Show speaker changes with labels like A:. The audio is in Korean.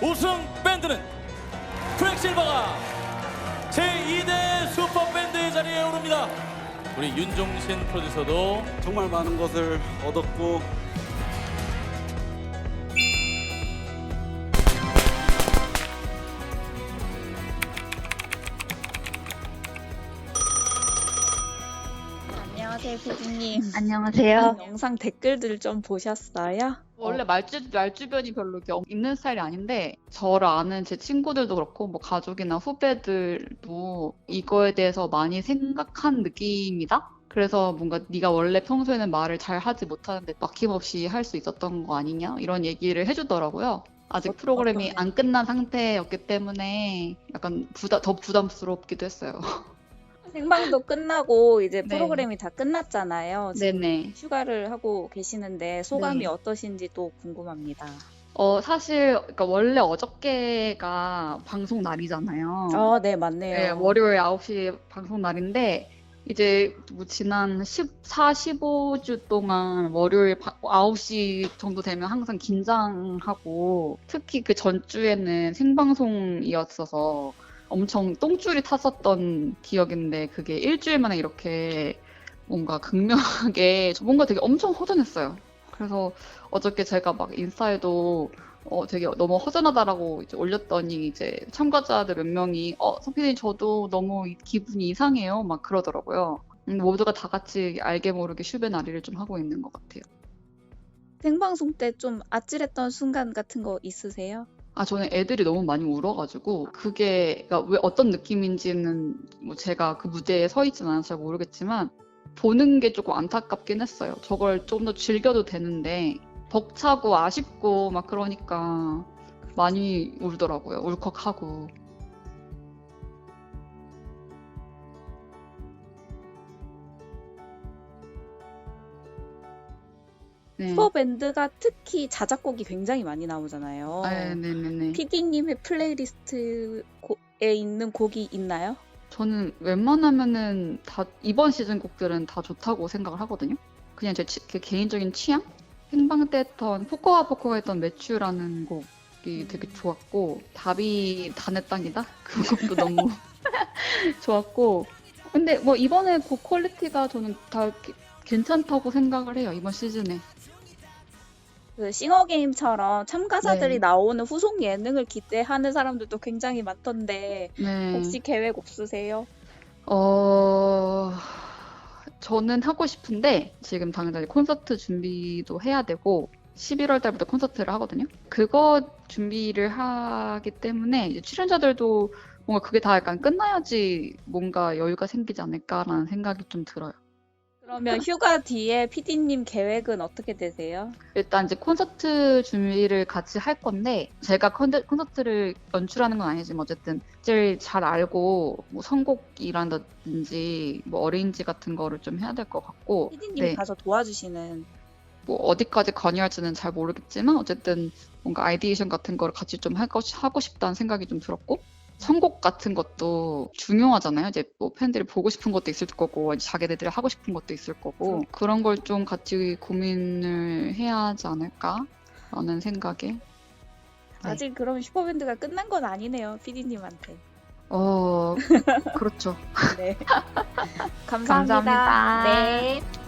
A: 우승 밴드는 퀵실버가 제2대 슈퍼밴드의 자리에 오릅니다. 우리 윤종신 프로듀서도
B: 정말 많은 것을 얻었고
C: 안녕하세요, 피디님.
D: 안녕하세요.
C: 영상 댓글들 좀 보셨어요?
D: 원래 말주변이 별로 이렇게 있는 스타일이 아닌데 저를 아는 제 친구들도 그렇고 뭐 가족이나 후배들도 이거에 대해서 많이 생각한 느낌이다? 그래서 뭔가 네가 원래 평소에는 말을 잘 하지 못하는데 막힘없이 할 수 있었던 거 아니냐? 이런 얘기를 해주더라고요. 아직 프로그램이
C: 어떤
D: 안 끝난 상태였기 때문에 약간 더 부담스럽기도 했어요.
C: 생방도 끝나고 이제
D: 네.
C: 프로그램이 다 끝났잖아요. 지금
D: 네네.
C: 휴가를 하고 계시는데 소감이
D: 네.
C: 어떠신지 또 궁금합니다.
D: 사실 그러니까 원래 어저께가 방송 날이잖아요.
C: 네, 맞네요.
D: 네, 월요일 9시 방송 날인데 이제 뭐 지난 14, 15주 동안 월요일 9시 정도 되면 항상 긴장하고 특히 그 전주에는 생방송이었어서 엄청 똥줄이 탔었던 기억인데 그게 일주일 만에 이렇게 뭔가 극명하게 뭔가 되게 엄청 허전했어요. 그래서 어저께 제가 막 인스타에도 되게 너무 허전하다라고 이제 올렸더니 이제 참가자들 몇 명이 선피디님 저도 너무 기분이 이상해요 막 그러더라고요. 모두가 다 같이 알게 모르게 슈베 나리를 좀 하고 있는 것 같아요.
C: 생방송 때 좀 아찔했던 순간 같은 거 있으세요?
D: 저는 애들이 너무 많이 울어가지고 그게 그러니까 왜 어떤 느낌인지는 뭐 제가 그 무대에 서 있진 않아서 잘 모르겠지만 보는 게 조금 안타깝긴 했어요. 저걸 좀 더 즐겨도 되는데 벅차고 아쉽고 막 그러니까 많이 울더라고요. 울컥하고. 네.
C: 슈퍼밴드가 특히 자작곡이 굉장히 많이 나오잖아요.
D: 네네네.
C: 피디님의 플레이리스트에 있는 곡이 있나요?
D: 저는 웬만하면은 다 이번 시즌 곡들은 다 좋다고 생각을 하거든요. 그냥 제 개인적인 취향? 생방 때 했던 포커가 했던 매튜라는 곡이 되게 좋았고 답이 다 내 땅이다? 그 곡도 너무 좋았고 근데 뭐 이번에 곡 퀄리티가 저는 다 괜찮다고 생각을 해요. 이번 시즌에.
C: 그 싱어게임처럼 참가자들이
D: 네.
C: 나오는 후속 예능을 기대하는 사람들도 굉장히 많던데
D: 네.
C: 혹시 계획 없으세요?
D: 저는 하고 싶은데 지금 당장 콘서트 준비도 해야 되고 11월 달부터 콘서트를 하거든요. 그거 준비를 하기 때문에 이제 출연자들도 뭔가 그게 다 약간 끝나야지 뭔가 여유가 생기지 않을까라는 생각이 좀 들어요.
C: 그러면 휴가 뒤에 피디님 계획은 어떻게 되세요?
D: 일단 이제 콘서트 준비를 같이 할 건데 제가 콘서트를 연출하는 건 아니지만 어쨌든 제일 잘 알고 뭐 선곡이란든지 뭐 어레인지 같은 거를 좀 해야 될 것 같고
C: 피디님이
D: 네.
C: 가서 도와주시는
D: 뭐 어디까지 관여할지는 잘 모르겠지만 어쨌든 뭔가 아이디에이션 같은 거를 같이 좀 하고 싶다는 생각이 좀 들었고 선곡 같은 것도 중요하잖아요. 이제 뭐 팬들이 보고 싶은 것도 있을 거고 자기네들이 하고 싶은 것도 있을 거고 그런 걸 좀 같이 고민을 해야 하지 않을까라는 생각에
C: 아직 그럼 슈퍼밴드가 끝난 건 아니네요, 피디님한테.
D: 그렇죠.
C: 네. 감사합니다.
D: 감사합니다.
C: 네.